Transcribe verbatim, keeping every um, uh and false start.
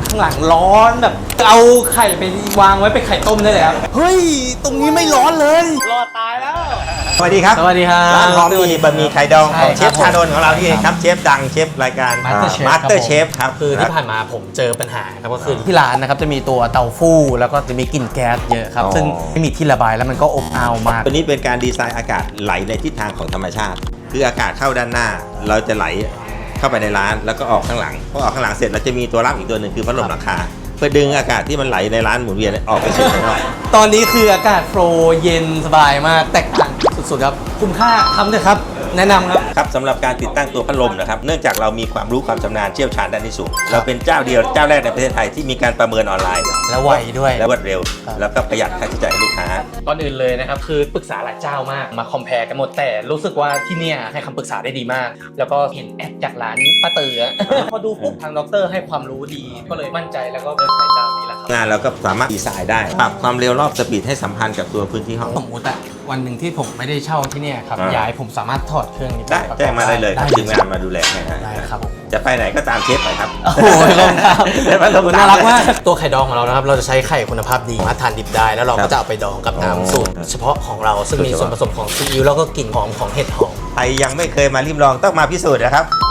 ข้างหลังร้อนแบบเอาไข่ไปวางไว้เป็นไข่ต้มได้เลยครับเฮ้ยตรงนี้ไม่ร้อนเลยรอดตายแล้วสวัสดีครับสวัสดีครับร้านพร้อมมีบะหมี่ไข่ดองของเชฟใช่ชาครับดลของเราที่เองครับเชฟดังเชฟรายการ Master Chef มาสเตอร์เชฟครับคือที่ผ่านมาผมเจอปัญหาครับก็คือที่ร้านนะครับจะมีตัวเตาฟู่แล้วก็จะมีกลิ่นแก๊สเยอะครับซึ่งไม่มีที่ระบายแล้วมันก็อบอ้าวมากตัวนี้เป็นการดีไซน์อากาศไหลในทิศทางของธรรมชาติคืออากาศเข้าด้านหน้าเราจะไหลเข้าไปในร้านแล้วก็ออกข้างหลังพอออกข้างหลังเสร็จเราจะมีตัวรับอีกตัวหนึ่งคือพัดลมหลังคาเพื่อดึงอากาศที่มันไหลในร้านหมุนเวียนออกไปสู่ข้างนอกตอนนี้คืออากาศโฟลว์เย็นสบายมากแตกต่างสุดๆครับคุ้มค่าทำเลยครับแนะนำครับครับสำหรับการติดตั้งตัวพัดลมนะครับเนื่องจากเรามีความรู้ความชำนาญเชี่ยวชาญด้านนี้สูงเราเป็นเจ้าเดียวเจ้าแรกในประเทศไทยที่มีการประเมินออนไลน์และไวด้วยและรวดเร็วแล้วก็ประหยัดค่าใช้จ่ายให้ลูกค้าตอนอื่นเลยนะครับคือปรึกษาหลายเจ้ามากมาคอมเพลกันหมดแต่รู้สึกว่าที่เนี่ยให้คำปรึกษาได้ดีมากแล้วก็เห็นแอดจากร้านป้าเต๋อพอดูปุ๊บทางด็อกเตอร์ให้ความรู้ดีก็เลยมั่นใจแล้วก็เลือกใช้เจ้านี้แหละครับงานเราก็สามารถดีไซน์ได้ปรับความเร็วรอบสปีดให้สัมพันธ์กับตัวพื้นที่ห้องสมมติอะวันหนึ่งที่ผมไม่ได้เช่าที่เนี่ยครับย้ายผมสามารถถอดเครื่องนี้ได้แจ้งมาได้เลยครับทีมงานมาดูแลให้ได้ครับจะไปไหนก็ตามเชฟไปครับโอ้โหขอบคุณครับน่ารักมากตัวไข่ดองของเรานะครับเราจะใช้ไข่คุณภาพดีมาทานดิบได้แล้วเราก็จะเอาไปดองกับน้ำสูตรเฉพาะของเราซึ่งมีส่วนผสมของซีอิ๊วแล้วก็กลิ่นหอมของเห็ดหอมใครยังไม่เคยมาริมลองต้องมาพิสูจน์นะครับ